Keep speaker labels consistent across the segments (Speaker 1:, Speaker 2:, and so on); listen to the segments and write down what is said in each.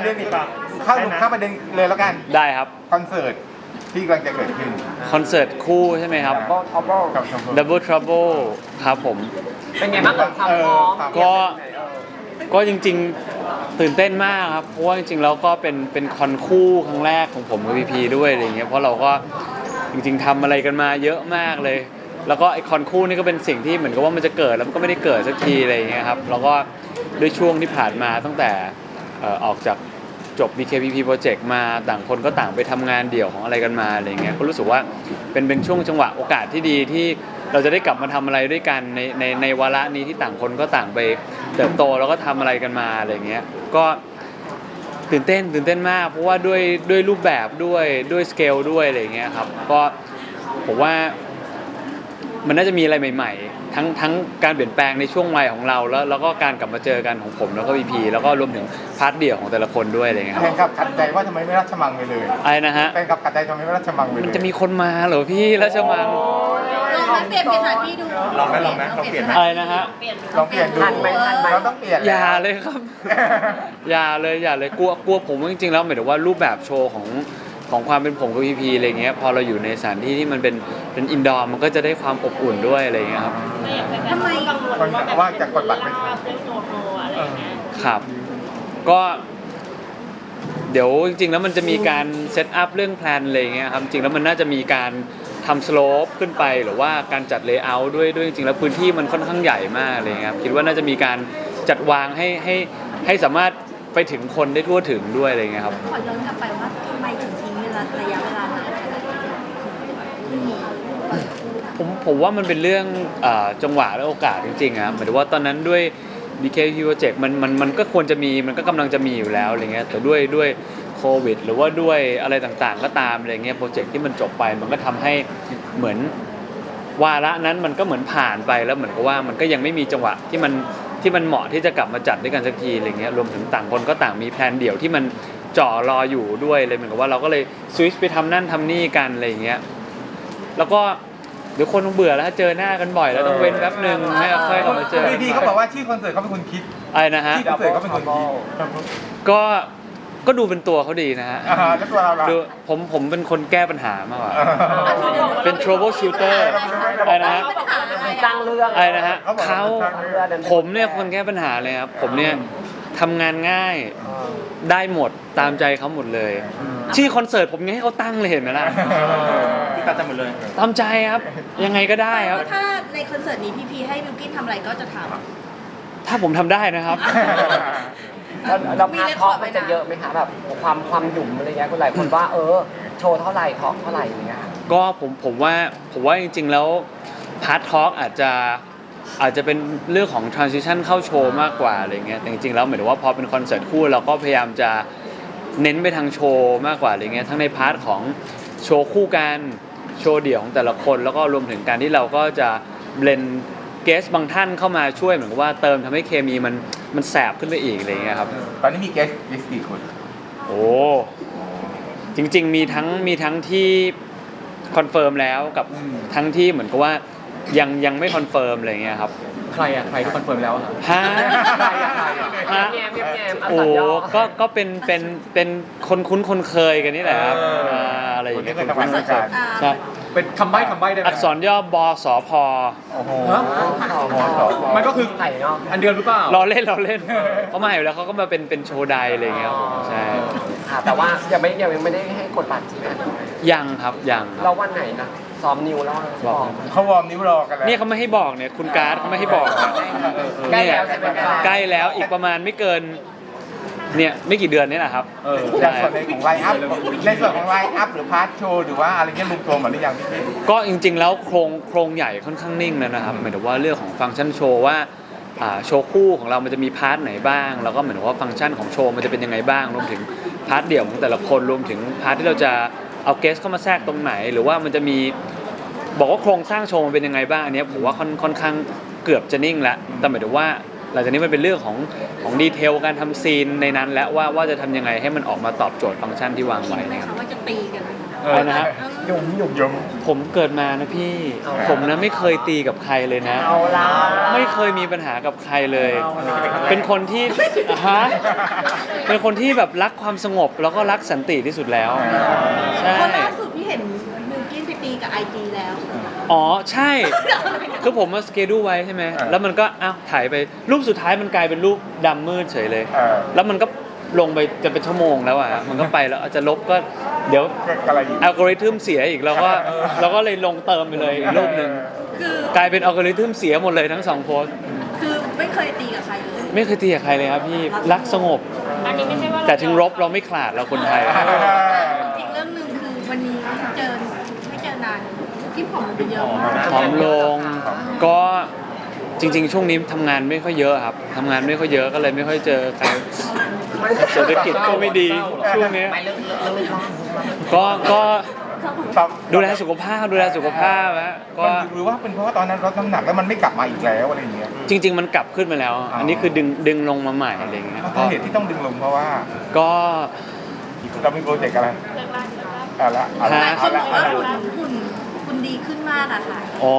Speaker 1: ด็นอีกเข้าประเด็นเลยแล้วกัน
Speaker 2: ได้ครับ
Speaker 1: คอนเสิร์ตที่กำลังจะเกิดขึ้น
Speaker 2: คอนเสิร์ตคู่ใช่ไหมครับ Double Trouble ครับผม
Speaker 3: เป็นไงบ้างกับความพร้อม
Speaker 2: ก็จริงๆตื่นเต้นมากครับเพราะว่าจริงๆแล้วก็เป็นคอนคู่ครั้งแรกของผมกับพีพีด้วยอะไรเงี้ยเพราะเราก็จริงๆทำอะไรกันมาเยอะมากเลยแล้วก็ไอคอนคู่นี่ก็เป็นสิ่งที่เหมือนกับว่ามันจะเกิดแล้วมันก็ไม่ได้เกิดสักทีอะไรเงี้ยครับแล้วก็ด้วยช่วงที่ผ่านมาตั้งแต่ออกจากจบ BKPP Project มาต่างคนก็ต่างไปทำงานเดี่ยวของอะไรกันมาอะไรเงี้ยก็รู้สึกว่าเป็นช่วงจังหวะโอกาสที่ดีที่เราจะได้กลับมาทำอะไรด้วยกันในวาระนี้ที่ต่างคนก็ต่างไปเติบโตแล้วก็ทำอะไรกันมาอะไรเงี้ยก็ตื่นเต้นมากเพราะว่าด้วยรูปแบบด้วยสเกลด้วยอะไรเงี้ยครับก็ผมว่ามันน่าจะมีอะไรใหม่ๆทั้งการเปลี่ยนแปลงในช่วงวัยของเราแล้วก็การกลับมาเจอกันของผมแล้วก็พีพีแล้วก็รวมถึงพาร์ทเดี่ยวของแต่ละคนด้วยอะไรเงี้ย
Speaker 1: แฟนคลับขัดใจว่าทำไมไม่ราชมังไปเลย
Speaker 2: อะไรนะฮะ
Speaker 1: แฟนคลับขัดใจทำไมไม่ราชมังไปเลย
Speaker 2: มันจะมีคนมาเหรอพี่ราชมัง
Speaker 4: ลองเปลี่ยนสถานที่ดู
Speaker 1: ลองไหมลองเปลี่ยนไหม
Speaker 2: อะไรนะฮะ
Speaker 1: ลองเปลี่ยนดูเราต้องเปลี่ยน
Speaker 2: อย่าเลยครับ อย่าเลยกลัวผมจริงๆแล้วหมายถึงว่ารูปแบบโชว์ของความเป็นผมกับพีพีอะไรเงี้ยพอเราอยู่ในสถานที่ที่มันเป็นอินดอร์มันก็จะได้ความอบอุ่นด้วยอะไรเงี้ยครับ
Speaker 4: ทำไม
Speaker 1: ว่าจะกดบัตรไม่
Speaker 2: ครับก็เดี๋ยวจริงๆแล้วมันจะมีการเซตอัพเรื่องแพลนอะไรเงี้ยครับจริงแล้วมันน่าจะมีการทำสโลปขึ้นไปหรือว่าการจัดเลเยอร์ด้วยจริงๆแล้วพื้นที่มันค่อนข้างใหญ่มากเลยครับคิดว่าน่าจะมีการจัดวางให้สามารถไปถึงคนได้ทั่วถึงด้วยอะไรเงี้ยครับ
Speaker 4: ขอย้อนกลับไปว่าทำไมถึงทิ้งระยะเวลานานขนาดนี้
Speaker 2: ผมว่ามันเป็นเรื่องจังหวะและโอกาสจริงๆครับหมายถึงว่าตอนนั้นด้วย BKP Project มันก็ควรจะมีมันก็กำลังจะมีอยู่แล้วอะไรเงี้ยแต่ด้วยโควิดหรือว่าด้วยอะไรต่างๆก็ตามอะไรเงี้ยโปรเจกต์ที่มันจบไปมันก็ทำให้เหมือนวาระนั้นมันก็เหมือนผ่านไปแล้วเหมือนกับว่ามันก็ยังไม่มีจังหวะที่มันเหมาะที่จะกลับมาจัดด้วยกันสักทีอะไรเงี้ยรวมถึงต่างคนก็ต่างมีแพลนเดี่ยวที่มันจ่อรออยู่ด้วยเลยเหมือนกับว่าเราก็เลยสวิตช์ไปทำนั่นทำนี่กันอะไรเงี้ยแล้วก็เดี๋ยวคนคงเบื่อแล้วเจอหน้ากันบ่อยแล้วต้องเว้นแป๊บนึงให้ค่อยกลับมาเจอ
Speaker 1: พี่เขาบอกว่าชื่อคอนเสิร์ตเขาเป็นคนคิด
Speaker 2: อะไรนะฮะ
Speaker 1: ชื่อคอนเสิร์ตเขาเป็นคนคิด
Speaker 2: ก็ดูเป็นตัวเขาดีนะฮะ
Speaker 1: แล้วตัวเรา
Speaker 2: ดูผมเป็นคนแก้ปัญหามากกว่าเป็น trouble shooter อะไรนะฮะ
Speaker 3: สร้างเรื่อง
Speaker 2: อะไรนะฮะผมเนี่ยคนแก้ปัญหาเลยครับผมเนี่ยทำงานง่ายได้หมดตามใจเขาหมดเลยชื่อคอนเสิร์ตผมยังให้เขาตั้งเลยเห็นไหมล่ะ
Speaker 1: ที่ตามใจหมดเลย
Speaker 2: ตามใจครับยังไงก็ได้ครับ
Speaker 4: ถ้าในคอนเสิร์ตนี้พี่ให้บิวกิ้นทำอะไรก็จะทำ
Speaker 2: ถ้าผมทำได้นะครับ
Speaker 3: เราพาร์ททอล์กมันจะเยอะไหมคะแบบความหยุ่มอะไรเงี้ยคนหลายคนว่าโชว์เท่าไหร่ทอล์กเท่าไหร่อย่างเงี้ย
Speaker 2: ก็ผมว่าจริงๆแล้วพาร์ททอล์กอาจจะเป็นเรื่องของ transition เข้าโชว์มากกว่าอะไรเงี้ยแต่จริงๆแล้วหมายถึงว่าพอเป็นคอนเสิร์ตคู่เราก็พยายามจะเน้นไปทางโชว์มากกว่าอะไรเงี้ยทั้งในพาร์ทของโชว์คู่กันโชว์เดี่ยวของแต่ละคนแล้วก็รวมถึงการที่เราก็จะเบลนเกสบางท่านเข้ามาช่วยเหมือนกับว่าเติมทำให้เคมีมันแสบขึ้นไปอีกอะไรเงี้ยครับ
Speaker 1: ตอนนี้มีเกสกี่คน
Speaker 2: โอ้จริงๆมีทั้งที่คอนเฟิร์มแล้วกับทั้งที่เหมือนกับว่ายังไม่คอนเฟิร์มอะไรเงี้ยครับ
Speaker 1: ใครที่คอนเฟิร์มแล้วอะ
Speaker 2: ฮะ
Speaker 3: ฮะ
Speaker 2: โอ้ก็เป็นคนคุ้นคนเคยกันนี่แหละครับอะไรอย่างเงี้ยใช่
Speaker 1: เป็นคำใบ้ได้ไหม
Speaker 2: อักษรย่อบสพ
Speaker 1: โอ้โหมันก็คืออันเดียวหรือเปล่า
Speaker 2: เราเล่นเขามาอยู่แล้วเขาก็มาเป็นโชว์ไดอะไรเงี้ยใช่
Speaker 3: แต่ว่ายังไม่ได้ให้กดบัตรใช่ไหม
Speaker 2: ยังครับยัง
Speaker 3: เราวันไหนนะซ้อมนิวแล้ว
Speaker 1: บอกเขาวอร์มนิ้วรอกันแล้ว
Speaker 2: นี่เขาไม่ให้บอกเนี่ยคุณการ์ดเขาไม่ให้บอก
Speaker 3: ใกล้แล้วใช่ไหม
Speaker 2: ใกล้แล้วอีกประมาณไม่เกินเนี่ยไม่กี่เดือนนี่แหละครับ
Speaker 1: ในส่วนของไลน์อัพหรือพาร์ทโชว์หรือว่าอะไรเงี้ยรวมๆหมดหรือยังพี่
Speaker 2: ก็จริงๆแล้วโครงใหญ่ค่อนข้างนิ่งนะครับหมายถึงว่าเรื่องของฟังก์ชันโชว์ว่าโชว์คู่ของเรามันจะมีพาร์ทไหนบ้างแล้วก็เหมือนว่าฟังก์ชันของโชว์มันจะเป็นยังไงบ้างรวมถึงพาร์ทเดี่ยวของแต่ละคนรวมถึงพาร์ทที่เราจะเอาเกสเข้ามาแทรกตรงไหนหรือว่ามันจะมีบอกว่าโครงสร้างโชว์มันเป็นยังไงบ้างอันนี้ผมว่าค่อนข้างเกือบจะนิ่งแล้วแต่หมายถึงว่าหลังจากนี้มันเป็นเรื่องของดีเทลการทำซีนในนั้นแล้วว่าจะทำยังไงให้มันออกมาตอบโจทย์ฟังก์ชันที่วางไว้นะครับ
Speaker 4: ว่าจะตีกัน
Speaker 2: อะไรนะฮะ
Speaker 3: หยุ่ม
Speaker 1: ยม
Speaker 2: ผมเกิดมานะพี่
Speaker 3: เอา
Speaker 2: ผมนะไม่เคยตีกับใครเลยนะ
Speaker 3: เอาละ
Speaker 2: ไม่เคยมีปัญหากับใครเลย
Speaker 3: เอาละ
Speaker 2: เป็นคนที่ฮะเป็นคนที่แบบรักความสงบแล้วก็รักสันติที่สุดแล้ว ใช่
Speaker 4: เพราะล่าสุดพี่เห็นบิลกิ้นไปตีกับไอจีแล้ว
Speaker 2: อ๋อใช่ คือผมมาสเกดูไว้ใช่ไหม แล้วมันก็อ้าวถ่ายไปรูปสุดท้ายมันกลายเป็นรูปดำมืดเฉยเลย แล้วมันก็ลงไปจะเป็นชั่วโมงแล้วอ่ะ มันก็ไปแล้วอาจจะลบก็เดี๋ยว
Speaker 1: อะไรอยู่
Speaker 2: อัลกอริทึมเสียอีกเราก็เลยลงเติมไปเลยอีกรูปหนึ่ง
Speaker 4: คือก
Speaker 2: ลายเป็นอัลกอริทึมเสียหมดเลยทั้งสองโพสต์
Speaker 4: คือไม่เคยตีกับใครเลย
Speaker 2: ไม่เคยตีกับใครเลยครับพี่รักสงบ
Speaker 4: อันนี้ไม่ใช่ว่า
Speaker 2: แต่ถึงรบเราไม่ขลาดเราคนไทย
Speaker 4: อีกเรื่องหนึ่งคือวันนี้ไม่เจอนานที่ผอมลงไปเยอะมาก
Speaker 2: ผอมลงก็จริงๆ ช่วงนี้ทำงานไม่ค่อยเยอะครับทำงานไม่ค่อยเยอะก็เลยไม่ค่อยเจอใครเศรษฐกิจก็ไม่ดีช่วงนี้
Speaker 3: ไม่เรื่องร่าง
Speaker 2: ก็
Speaker 1: ครับ
Speaker 2: ดูแลสุขภาพนะก็
Speaker 1: หรือว่าเป็นเพราะว่าตอนนั้นลดน้ำหนักแล้วมันไม่กลับมาอีกแล้วอะไรอย่างเงี้ย
Speaker 2: จริง ๆ มันกลับขึ้นมาแล้ว อันนี้คือดึงลงมาใหม่อะไรอย่างเงี้ย
Speaker 1: สาเหตุที่ต้องดึงลงเพราะว่า
Speaker 2: ก็
Speaker 1: เรามีโปรเจกต์อะไรเอาละเอา
Speaker 4: ห
Speaker 1: ละ
Speaker 4: ลายค
Speaker 1: เอา
Speaker 4: นบ
Speaker 1: ละ
Speaker 4: อก
Speaker 1: เอา
Speaker 4: ว่า
Speaker 1: ละ
Speaker 4: คุณดีขึ้นมากอะค่ะ
Speaker 2: อ๋อ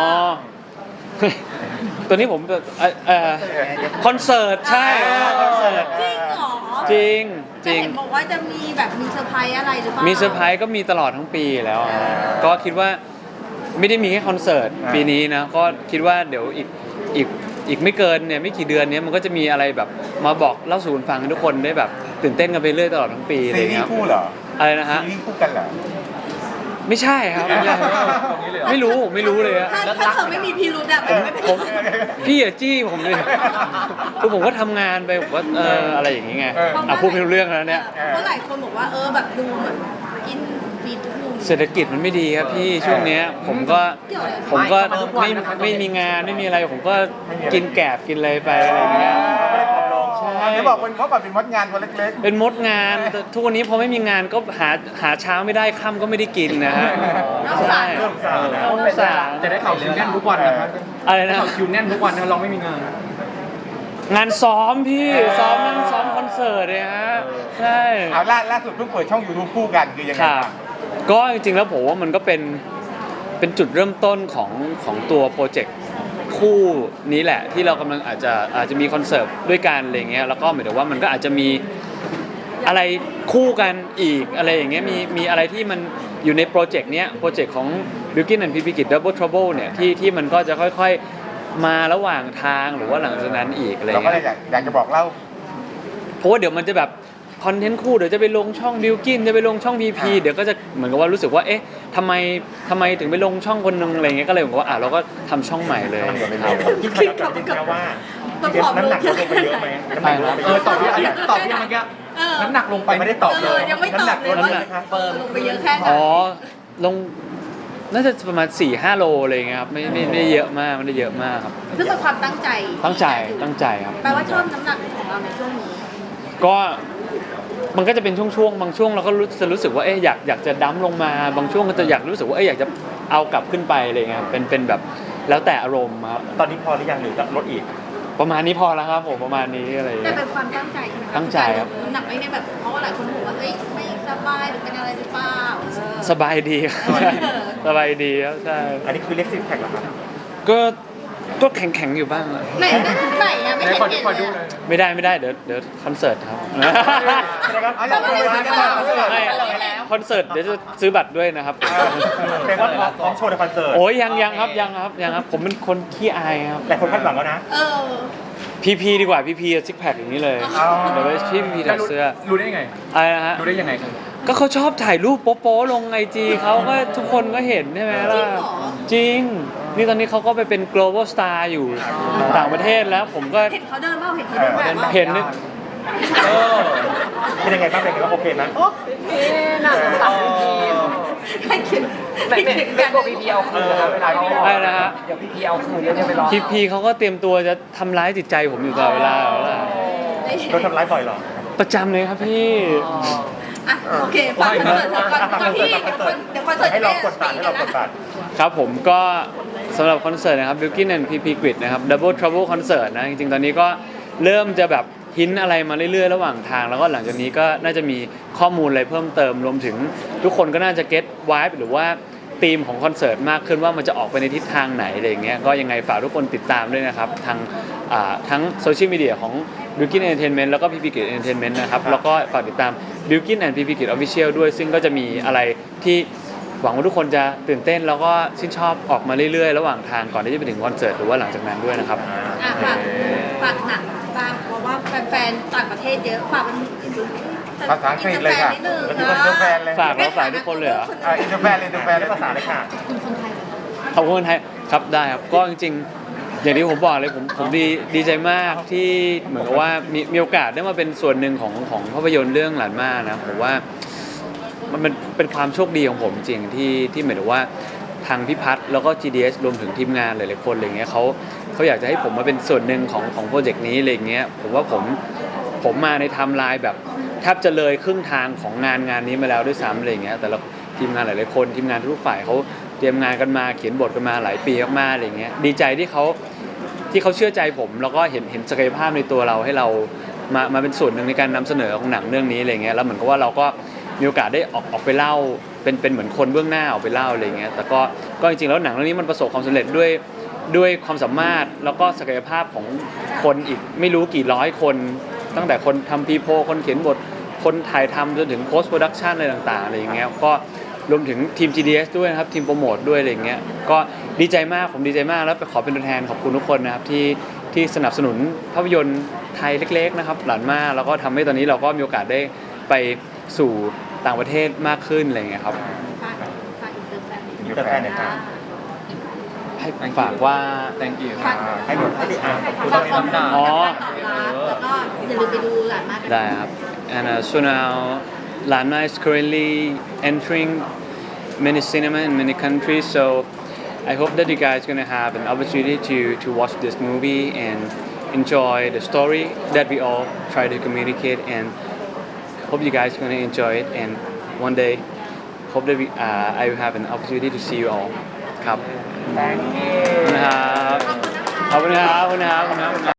Speaker 2: ตัวนี้ผมคอนเสิร์ตใช่คอนเสิร์ต
Speaker 4: จริงเหรอ
Speaker 2: จริง
Speaker 4: จะเห็นบอกว่าจะมีแบบมีเซอร์ไพรส์อะไรหรือเปล่า
Speaker 2: มี
Speaker 4: มี
Speaker 2: เซอร์ไพรส์ก็มีตลอดทั้งปีแล้วอะก็คิดว่าไม่ได้มีแค่คอนเสิร์ตปีนี้นะก็คิดว่าเดี๋ยวอีกไม่เกินเนี่ยไม่กี่เดือนเนี้ยมันก็จะมีอะไรแบบมาบอกเล่าสู่กันฟังให้ทุกคนได้แบบตื่นเต้นกันไปเรื่อยตลอดทั้งปีอะไร
Speaker 1: ซี
Speaker 2: อย่าง
Speaker 1: รี
Speaker 2: เงี้ย
Speaker 1: ส์คู่เหรอ
Speaker 2: อะไรนะฮะ
Speaker 1: ซีรีส์คู่กันเหรอ
Speaker 2: ไม่ใช่ครับไม่ใช่ไม่รู้เลยอะ
Speaker 4: ถ้าเธอไม่มีพิรุธอะมันไม่เป็น
Speaker 2: ผมพี่อย่าจี้ผมเลยคือผมก็ทำงานไปผมว่าอะไรอย่างงี้ไงพูดไม่รู้เรื่องแล้วเนี่ย
Speaker 4: เพราะหลายคนบอกว่าแบบดูเหมือนกินฟีดทุกมุม
Speaker 2: เศรษฐกิจมันไม่ดีครับพี่ช่วงเนี้ยผมก็ไม่มีงานไม่มีอะไรผมก็กินแกบกินอะไรไปอะไรอย่างเงี้ย ใช่
Speaker 1: จะบอกเป็นเพราะแบบเป็นมดงานตัวเล็ก
Speaker 2: เป็นมดงานแต่ทุกวันนี้พอไม่มีงานก็หาเช้าไม่ได้ค่ำก็ไม่ได้กินนะฮะใช่น่าสาร
Speaker 5: จะได้ข่าวคิวแน่นทุกวันนะครับ
Speaker 2: อะไรนะ
Speaker 5: ข่าวคิวแน่นทุกวันนะเราไม่มีงาน
Speaker 2: งานซ้อมพี่ซ้อมนั่งซ้อมคอนเสิร์ตเลยฮะใช่
Speaker 1: ๆเอาล่าสุดเพิ่งเปิดช่อง YouTube คู่กันคือยังไง
Speaker 2: ค่ะ
Speaker 1: บ้าง
Speaker 2: ก็จริงๆแล้วผมว่ามันก็เป็นจุดเริ่มต้นของตัวโปรเจกต์คู่นี้แหละที่เรากำลังอาจจะมีคอนเสิร์ตด้วยกันอะไรเงี้ยแล้วก็หมายถึงว่ามันก็อาจจะมีอะไรคู่กันอีกอะไรอย่างเงี้ยมีอะไรที่มันอยู่ในโปรเจกต์เนี้ยโปรเจกต์ของ Bilkin and PP Kid Double Trouble เนี่ยที่มันก็จะค่อยๆมาระหว่างทางหรือว่าหลังจากนั้นอีกอะไร
Speaker 1: เราก็เลย
Speaker 2: เงี้ย
Speaker 1: อยากจะบอกเล่า
Speaker 2: เพราะว่าเดี๋ยวมันจะแบบคอนเทนต์คู่เดี๋ยวจะไปลงช่องบิลกินจะไปลงช่องพีพีเดี๋ยวก็จะเหมือนกับว่ารู้สึกว่าเอ๊ะทำไมถึงไปลงช่องคนนึงอะไรเงี้ยก็เลยบอกว่าเราก็ทำช่องใหม่เลยครับ
Speaker 4: คิดกับว่ามันผอมลง
Speaker 1: น้ำหนักลงไปเยอะไหมน้ำหนักลงไปเยอะ
Speaker 5: ตอบพี่อะไรตอบพี่เมื่อกี้น้ำหนักลงไป
Speaker 1: ไม่ได้ตอบเลย
Speaker 4: ยังไม่ตอบเลยว่าลงไปเยอะแค่ไหน
Speaker 2: อ๋อลงน่าจะประมาณ 4-5 โลอะไรเงี้ยครับไม่ได้เยอะมากไม่ได้เยอะมากครับ
Speaker 4: ซึ่งเป็นความตั้งใจ
Speaker 2: ตั้งใจครับ
Speaker 4: แปลว่าชอบน้ำหนักของเราในช่วงนี้
Speaker 2: ก็มันก็จะเป็นช่วงๆบางช่วงเราก็รู้สึกว่าเอ๊ะอยากจะดั้มลงมาบางช่วงก็จะอยากรู้สึกว่าเอ๊ะอยากจะเอากลับขึ้นไปอะไรเงี้ยครับเป็นแบบแล้วแต่อารมณ์ครับ
Speaker 1: ตอนนี้พอหรือยังหรือจะลดอีก
Speaker 2: ประมาณนี้พอแล้วครับผมประมาณนี้อะไรอย่าง
Speaker 4: แต่
Speaker 2: เงี้ย
Speaker 4: เป็นความตั้งใจใช่ไหมะ
Speaker 2: ตั้งใจครับ
Speaker 4: น้ำหนักไม่ได้แบบเพราะว่าหลายคนบอกว่าเอ้ยไม่สบายหรือเป็นอะไรหรือเปล่า
Speaker 2: สบายดีครับสบายดีครับใช่
Speaker 1: อันนี้คือเรียกซิกแพคเหรอครับ
Speaker 2: ก็แข็งอยู่บ้างอะ
Speaker 4: ไหนไหนอะไม่เห็น
Speaker 5: ขอ
Speaker 4: เห็น
Speaker 5: ขอดู
Speaker 4: เลย
Speaker 2: ไม่ได้เดี๋ยวคอนเสิร์ตครับ
Speaker 1: เอาอย่างนี้
Speaker 2: ไม่คอนเสิร์ตเดี๋ยวจะซื้อบัตรด้วยนะครับ
Speaker 1: เป็นว่าพร้อมโชว์ในคอนเสิร์ต
Speaker 2: โอ้ยยังครับผมเป็นคนขี้อายครับ
Speaker 1: แต่คนคาดหวังแล้วนะ
Speaker 4: เออ
Speaker 2: พีดีกว่าพีซิกแพคอย่างนี้เลย
Speaker 1: อ๋อ
Speaker 2: เดี๋ยวไปที่พีถอดเสื้อ
Speaker 5: รู้ได้ยังไง
Speaker 2: อะไรนะฮะ
Speaker 5: รู้ได้ยังไงครับ
Speaker 2: ก็เขาชอบถ่ายรูปโป๊ะๆลงไอจีเขาก็ทุกคนก็เห็นใช่ไหมล่ะจริง นี่ตอนนี้เขาก็ไปเป็น global star อยู่ต่างประเทศแล้วผมก็
Speaker 4: เห็นเขาเดินเปล่าเห็นเขาเดินแบบว่า
Speaker 2: เห็นนึก
Speaker 1: เป็นยังไงบ้างเป็นยังไงบ้างโอเคไหม
Speaker 3: นี่น่าสงสารพี
Speaker 4: ให้คิด
Speaker 3: ไม่กลัวพีเอาคืนนะคะเวลาเขา
Speaker 2: อะไรนะฮะ
Speaker 3: เดี๋ยวพีเอาคืนแล้วจะไปรอ
Speaker 2: พีเขาก็เตรียมตัวจะทำร้ายจิตใจผมอยู่ตลอดเวลาแล้วล่ะ
Speaker 1: โดนทำร้ายบ่อยเหรอ
Speaker 2: ประจำเลยครับพี่
Speaker 4: อ่ะโอเคฟังคอนเสิร์ตก่อนพี่เดี๋ยวคอนเสิร์ต
Speaker 1: ให้เรากดบัตรให้เรากดบัตร
Speaker 2: ครับผมก็สำหรับคอนเสิร์ตนะครับ Bilkin and PP Grid นะครับ Double Trouble Concert นะจริงๆตอนนี้ก็เริ่มจะแบบหินอะไรมาเรื่อยๆระหว่างทาง แล้วก็หลังจากนี้ก็น่าจะมีข้อมูลอะไรเพิ่มเติมรวมถึงทุกคนก็น่าจะเก็ตไวบ์หรือว่าธีมของคอนเสิร์ตมากขึ้นว่ามันจะออกไปในทิศทางไหนอะไรอย่างเงี้ยก็ยังไงฝากทุกคนติดตามด้วยนะครับทางทั้งโซเชียลมีเดียของ Bilkin Entertainment แล้วก็ PP Kid Entertainment นะครับแล้วก็ฝากติดตาม Bilkin and PP Kid Official ด้วยซึ่งก็จะมีอะไรที่หวังว่าทุกคนจะตื่นเต้นแล้วก็ชื่นชอบออกมาเรื่อยๆระหว่างทางก่อนที่จะไปถึงคอนเสิร์ตหรือว่าหลังจากนั้นด้วยนะครับ
Speaker 4: ฝากหนังบ้างเพราะว่าแฟนๆต่างประเทศเยอะฝากเป็น
Speaker 1: ภาษาอังกฤษเลยค่ะ
Speaker 4: นิดนึง
Speaker 1: แล้วทุกคนอินเตอร์แฟนเลย
Speaker 2: ฝากแล้วฝากทุกคนเลยเหรอ
Speaker 1: อินเตอร์แฟนเลยอินเตอร์แฟนเลยภาษาเลยค่ะ
Speaker 4: คุณคนไทย
Speaker 2: ขอบคุณคนไทยครับได้ครับก็จริงๆอย่างที่ผมบอกเลยผมดีใจมากที่เหมือนกับว่ามีโอกาสได้มาเป็นส่วนหนึ่งของภาพยนตร์เรื่องหลานม่านะผมว่ามันเป็นความโชคดีของผมจริงที่หมายถึงว่าทางพี่พัฒน์แล้วก็ GDS รวมถึงทีมงานหลายๆคนอะไรเงี้ยเขาอยากจะให้ผมมาเป็นส่วนหนึ่งของโปรเจกต์นี้อะไรเงี้ยผมว่าผมมาในไทม์ไลน์แบบแทบจะเลยครึ่งทางของงานนี้มาแล้วด้วยซ้ำอะไรเงี้ยแต่ละทีมงานหลายๆคนทีมงานทุกฝ่ายเขาเตรียมงานกันมาเขียนบทกันมาหลายปีมากๆอะไรเงี้ยดีใจที่เขาเชื่อใจผมแล้วก็เห็นศักยภาพในตัวเราให้เรามาเป็นส่วนหนึ่งในการนำเสนอของหนังเรื่องนี้อะไรเงี้ยแล้วเหมือนกับว่าเราก็มีโอกาสได้ออกไปเล่าเป็นเหมือนคนเบื้องหน้าออกไปเล่าอะไรเงี้ยแต่ก็จริงๆแล้วหนังเรื่องนี้มันประสบความสำเร็จด้วยความสามารถแล้วก็ศักยภาพของคนอีกไม่รู้กี่ร้อยคนตั้งแต่คนทำพีโพคนเขียนบทคนถ่ายทำจนถึงโพสต์โปรดักชันอะไรต่างๆอะไรอย่างเงี้ยก็รวมถึงทีม GDS ด้วยนะครับทีมโปรโมทด้วยอะไรอย่างเงี้ยก็ดีใจมากผมดีใจมากแล้วไปขอเป็นตัวแทนขอบคุณทุกคนนะครับที่สนับสนุนภาพยนตร์ไทยเล็กๆนะครับหลานม่าแล้วก็ทำให้ตอนนี้เราก็มีโอกาสได้ไปสู่ต่างประเทศมากขึ้นอะไรอย่างเงี้ยครับ
Speaker 4: ฝากอินเตอร์แฟน
Speaker 1: อินเตอร์แฟนเนี่ยครับ
Speaker 2: ให้ฝากว่า
Speaker 5: thank you
Speaker 1: ให้หนูให้พี่อ่าน
Speaker 4: ฝากความ
Speaker 2: อ๋อ
Speaker 4: แล้วก็อย่าลืมไปดูหลานมากกัน
Speaker 2: ได้ครับ and so now Lanma is currently entering many cinema in many countries so I hope that you guys gonna have an opportunity to watch this movie and enjoy the story that we all try to communicate and hope you guys gonna enjoy it and one day hope that I will have an opportunity to see you all ครับ
Speaker 3: Thank you
Speaker 2: ขอบคุณครับขอบคุณครับ